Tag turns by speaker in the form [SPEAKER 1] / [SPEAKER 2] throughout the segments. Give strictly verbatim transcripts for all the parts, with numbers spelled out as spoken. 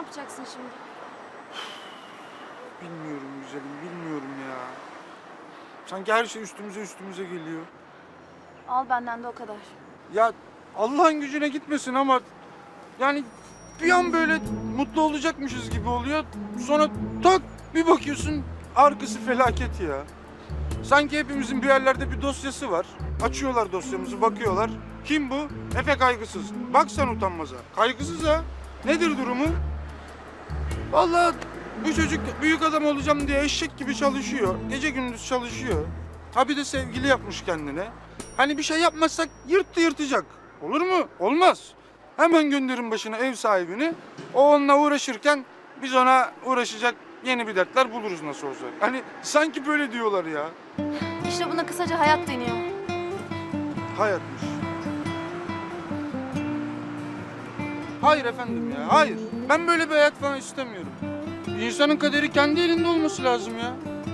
[SPEAKER 1] yapacaksın şimdi?
[SPEAKER 2] Bilmiyorum güzelim, bilmiyorum ya. Sanki her şey üstümüze üstümüze geliyor.
[SPEAKER 1] Al benden de o kadar.
[SPEAKER 2] Ya Allah'ın gücüne gitmesin ama yani bir an böyle mutlu olacakmışız gibi oluyor. Sonra tak bir bakıyorsun arkası felaket ya. Sanki hepimizin bir yerlerde bir dosyası var. Açıyorlar dosyamızı, bakıyorlar. Kim bu? Efe Kaygısız. Bak sen utanmaza. Kaygısız ha. Nedir durumu? Vallahi bu çocuk büyük adam olacağım diye eşek gibi çalışıyor. Gece gündüz çalışıyor. Ha bir de sevgili yapmış kendine. Hani bir şey yapmazsak yırttı yırtacak. Olur mu? Olmaz. Hemen gönderin başına ev sahibini. O onunla uğraşırken biz ona uğraşacak yeni bir dertler buluruz nasıl olsa. Hani sanki böyle diyorlar ya.
[SPEAKER 1] İşte buna kısaca hayat deniyor.
[SPEAKER 2] Hayatmış. Hayır efendim ya, hayır. Ben böyle bir hayat falan istemiyorum. İnsanın kaderi kendi elinde olması lazım ya.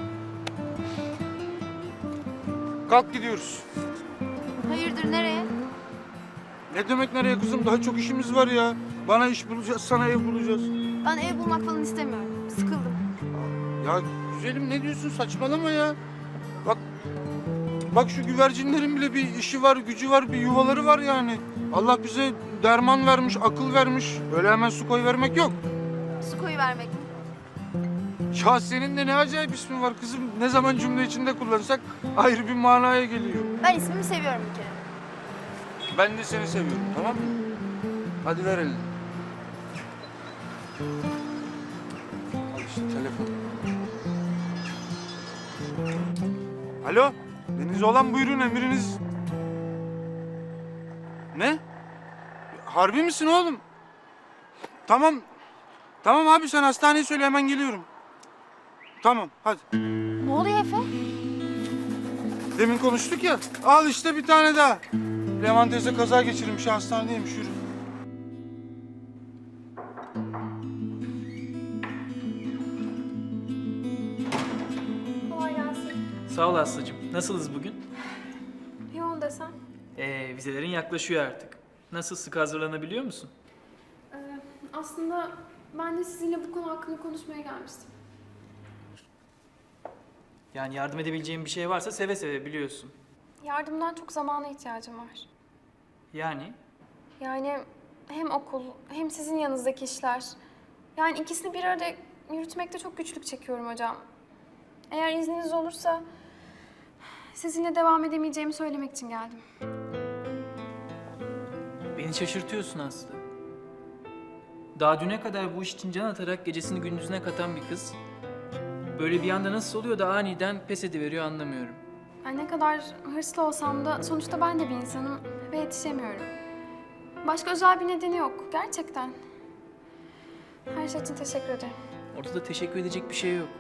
[SPEAKER 2] Kalk gidiyoruz.
[SPEAKER 1] Hayırdır nereye?
[SPEAKER 2] Ne demek nereye kızım? Daha çok işimiz var ya. Bana iş bulacağız, sana ev bulacağız.
[SPEAKER 1] Ben ev bulmak falan istemiyorum. Sıkıldım.
[SPEAKER 2] Ya güzelim ne diyorsun? Saçmalama ya. Bak, bak şu güvercinlerin bile bir işi var, gücü var, bir yuvaları var yani. Allah bize derman vermiş, akıl vermiş. Öyle hemen su koy vermek yok.
[SPEAKER 1] Su koyu vermek mi?
[SPEAKER 2] Ya senin de ne acayip ismin var kızım. Ne zaman cümle içinde kullansak ayrı bir manaya geliyor.
[SPEAKER 1] Ben ismimi seviyorum bir kere.
[SPEAKER 2] Ben de seni seviyorum, tamam mı? Hadi ver elini. Al işte telefon. Alo, Deniz olan buyurun emriniz. Ne? Harbi misin oğlum? Tamam. Tamam abi sen hastaneye söyle hemen geliyorum. Tamam hadi.
[SPEAKER 1] Ne oluyor Efe?
[SPEAKER 2] Demin konuştuk ya. Al işte bir tane daha. Leman teyze kaza geçirmiş hastanedeymiş yürü.
[SPEAKER 3] Kolay gelsin.
[SPEAKER 4] Sağ ol Aslı'cığım. Nasılız bugün?
[SPEAKER 3] Yoğun desem.
[SPEAKER 4] Ee, vizelerin yaklaşıyor artık. Nasıl, sık hazırlanabiliyor musun?
[SPEAKER 3] Ee, aslında ben de sizinle bu konu hakkında konuşmaya gelmiştim.
[SPEAKER 4] Yani yardım edebileceğim bir şey varsa seve seve biliyorsun.
[SPEAKER 3] Yardımdan çok zamana ihtiyacım var.
[SPEAKER 4] Yani
[SPEAKER 3] Yani hem okul hem sizin yanınızdaki işler. Yani ikisini bir arada yürütmekte çok güçlük çekiyorum hocam. Eğer izniniz olursa sizinle devam edemeyeceğimi söylemek için geldim.
[SPEAKER 4] beni şaşırtıyorsun Aslı. Daha düne kadar bu iş için can atarak gecesini gündüzüne katan bir kız. Böyle bir anda nasıl oluyor da aniden pes ediveriyor anlamıyorum.
[SPEAKER 3] Ben ne kadar hırslı olsam da sonuçta ben de bir insanım ve yetişemiyorum. Başka özel bir nedeni yok gerçekten. Her şey için teşekkür ederim.
[SPEAKER 4] Ortada teşekkür edecek bir şey yok.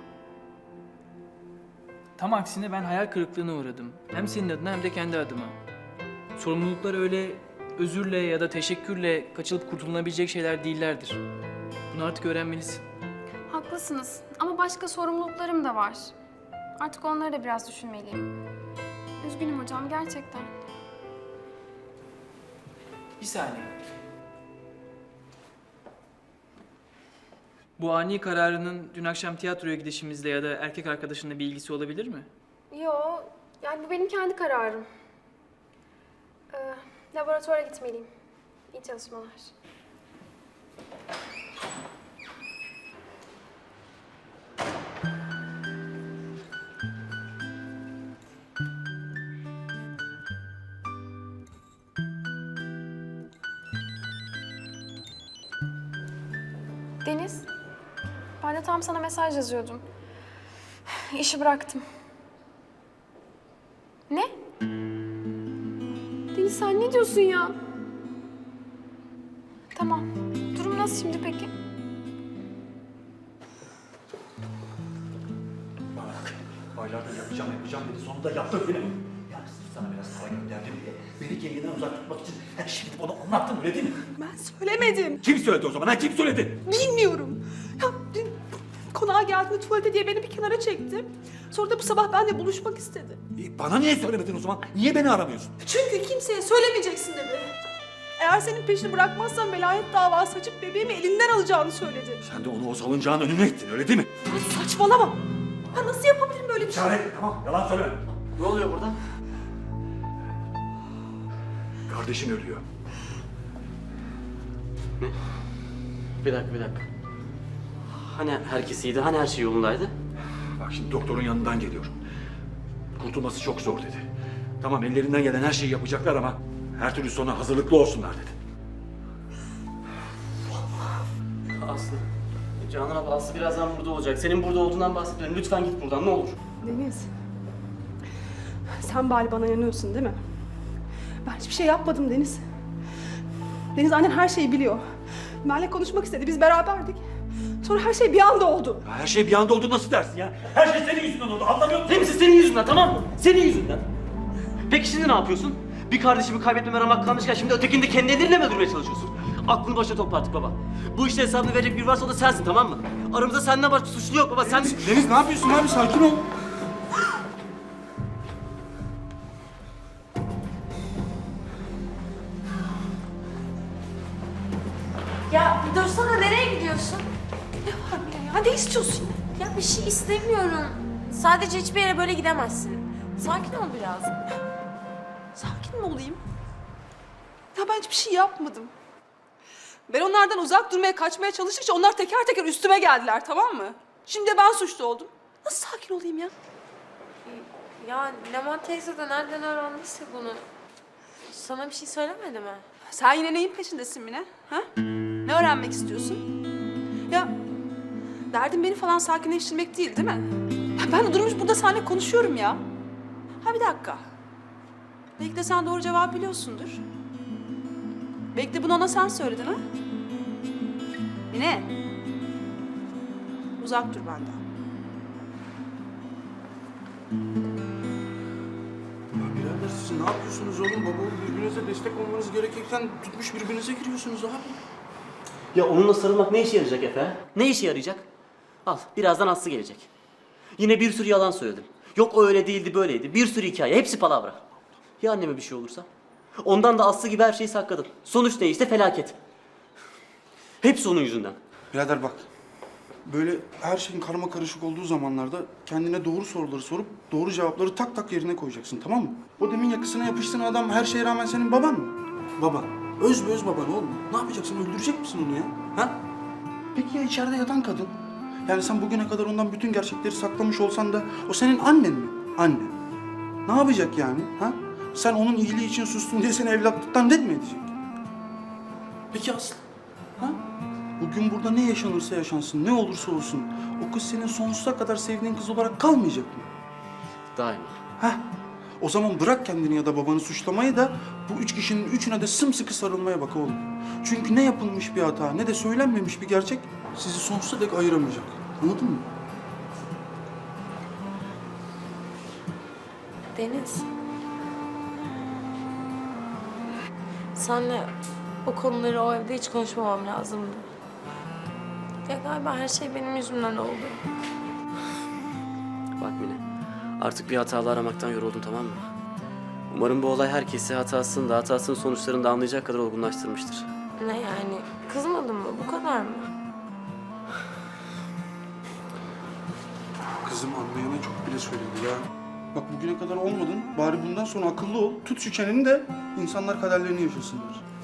[SPEAKER 4] Tam aksine ben hayal kırıklığına uğradım. Hem senin adına hem de kendi adıma. Sorumluluklar öyle özürle ya da teşekkürle kaçılıp kurtulunabilecek şeyler değillerdir. Bunu artık öğrenmelisin.
[SPEAKER 3] Haklısınız ama başka sorumluluklarım da var. Artık onları da biraz düşünmeliyim. Üzgünüm hocam gerçekten.
[SPEAKER 4] Bir saniye. Bu ani kararının dün akşam tiyatroya gidişimizle ya da erkek arkadaşınla bir ilgisi olabilir mi?
[SPEAKER 3] Yo, yani bu benim kendi kararım. Ee, laboratuvara gitmeliyim. İyi çalışmalar. Deniz, ben de tam sana mesaj yazıyordum. İşi bıraktım. Ne? Deniz sen ne diyorsun ya? Tamam. Durum nasıl şimdi peki?
[SPEAKER 5] Bak, aylardır yapacağım yapacağım dedi. Sonunda yaptım bile. Yani sırf sana biraz para gönderdim diye. Beni kendinden uzak tutmak için her şeyi gidip ona anlattın öyle değil mi?
[SPEAKER 6] Ben söylemedim.
[SPEAKER 5] Kim söyledi o zaman? Ha kim söyledi?
[SPEAKER 6] Bilmiyorum. Ya dün konağa geldiğinde tuvalete diye beni bir kenara çekti. Sonra da bu sabah benimle buluşmak istedi.
[SPEAKER 5] E, bana niye söylemedin o zaman? Niye beni aramıyorsun?
[SPEAKER 6] Çünkü kimseye söylemeyeceksin dedi. Eğer senin peşini bırakmazsan velayet davası açıp bebeğimi elinden alacağını söyledi.
[SPEAKER 5] Sen de onu o salıncağın önüne ittin öyle değil mi?
[SPEAKER 6] Ya saçmalama. Ya nasıl yapabilirim böyle bir şey?
[SPEAKER 5] Çare tamam yalan söyleme.
[SPEAKER 7] Ne oluyor burada?
[SPEAKER 5] Kardeşin ölüyor.
[SPEAKER 7] Bir dakika bir dakika. Hani herkes iyiydi, hani her şey yolundaydı?
[SPEAKER 5] Bak şimdi doktorun yanından geliyorum. Kurtulması çok zor dedi. Tamam ellerinden gelen her şeyi yapacaklar ama her türlü sona hazırlıklı olsunlar dedi.
[SPEAKER 7] Aslı. Canan abla Aslı birazdan burada olacak. Senin burada olduğundan bahsetmiyorum. Lütfen git buradan ne olur.
[SPEAKER 6] Deniz. Sen bari bana inanıyorsun değil mi? Ben hiçbir şey yapmadım Deniz. Deniz annen her şeyi biliyor. Benimle konuşmak istedi. Biz beraberdik. Sonra her şey bir anda oldu.
[SPEAKER 5] Ya her şey bir anda oldu nasıl dersin ya? Her şey senin yüzünden oldu anlamıyor musun?
[SPEAKER 7] Hepsi senin yüzünden tamam mı? Senin yüzünden. Peki şimdi ne yapıyorsun? Bir kardeşimi kaybetmeme ramak kalmışken şimdi ötekini de kendi ellerinle mi öldürmeye çalışıyorsun? Aklını başına topla artık baba. Bu işte hesabını verecek biri varsa o da sensin tamam mı? Aramızda senden başka suçlu yok baba sen...
[SPEAKER 2] Deniz ne yapıyorsun abi? Sakin ol.
[SPEAKER 8] Ya bir dursana, nereye gidiyorsun?
[SPEAKER 6] Ne var Mine ya? Ne istiyorsun?
[SPEAKER 8] Ya bir şey istemiyorum. Sadece hiçbir yere böyle gidemezsin. Sakin ol biraz.
[SPEAKER 6] Sakin mi olayım? Ya ben hiçbir şey yapmadım. Ben onlardan uzak durmaya, kaçmaya çalıştıkça onlar teker teker üstüme geldiler, tamam mı? Şimdi de ben suçlu oldum. Nasıl sakin olayım ya?
[SPEAKER 8] Ya Leman teyze de nereden öğrendiyse bunu. Sana bir şey söylemedi mi?
[SPEAKER 6] Sen yine neyin peşindesin Mine? Ha? Ne öğrenmek istiyorsun? Ya derdin beni falan sakinleştirmek değil değil mi? Ya ben de durmuş burada seninle konuşuyorum ya. Ha bir dakika. Belki de sen doğru cevabı biliyorsundur. Belki de bunu ona sen söyledin ha? Mine. Uzak dur benden.
[SPEAKER 2] Ya birader siz ne yapıyorsunuz oğlum? Baba oğul birbirinize destek olmanız gerekirken tutmuş birbirinize giriyorsunuz abi.
[SPEAKER 7] Ya onunla sarılmak ne işe yarayacak Efe? Ne işe yarayacak? Al birazdan Aslı gelecek. Yine bir sürü yalan söyledim. Yok o öyle değildi böyleydi. Bir sürü hikaye hepsi palavra. Ya anneme bir şey olursa? Ondan da Aslı gibi her şeyi sakladım. Sonuç ne işte felaket. Hepsi onun yüzünden.
[SPEAKER 2] Birader bak. Böyle her şeyin karma karışık olduğu zamanlarda kendine doğru soruları sorup doğru cevapları tak tak yerine koyacaksın, tamam mı? O demin yakasına yapıştığın adam her şeye rağmen senin baban mı? Baban. Öz be öz baban oğlum. Ne yapacaksın? Öldürecek misin onu ya? Ha? Peki ya içeride yatan kadın? Yani sen bugüne kadar ondan bütün gerçekleri saklamış olsan da o senin annen mi? Anne. Ne yapacak yani? Ha? Sen onun iyiliği için sustun diye seni evlatlıktan red mi edecek? Peki Aslı? Ha? Bugün burada ne yaşanırsa yaşansın, ne olursa olsun o kız senin sonsuza kadar sevdiğin kız olarak kalmayacak mı?
[SPEAKER 7] Daima.
[SPEAKER 2] Heh. O zaman bırak kendini ya da babanı suçlamayı da bu üç kişinin üçüne de sımsıkı sarılmaya bak oğlum. Çünkü ne yapılmış bir hata ne de söylenmemiş bir gerçek sizi sonsuza dek ayıramayacak. Anladın mı?
[SPEAKER 8] Deniz. Senle o konuları o evde hiç konuşmamam lazımdı. Ya galiba her şey benim yüzümden oldu.
[SPEAKER 7] Bak Mine, artık bir hatalı aramaktan yoruldum tamam mı? Umarım bu olay herkesi hatasını da hatasının sonuçlarını da anlayacak kadar olgunlaştırmıştır.
[SPEAKER 8] Ne yani? Kızmadın mı? Bu kadar mı?
[SPEAKER 2] Kızım anlayana çok bile söyledi ya. Bak bugüne kadar olmadın, bari bundan sonra akıllı ol. Tut şu çeneni de insanlar kaderlerini yaşasınlar.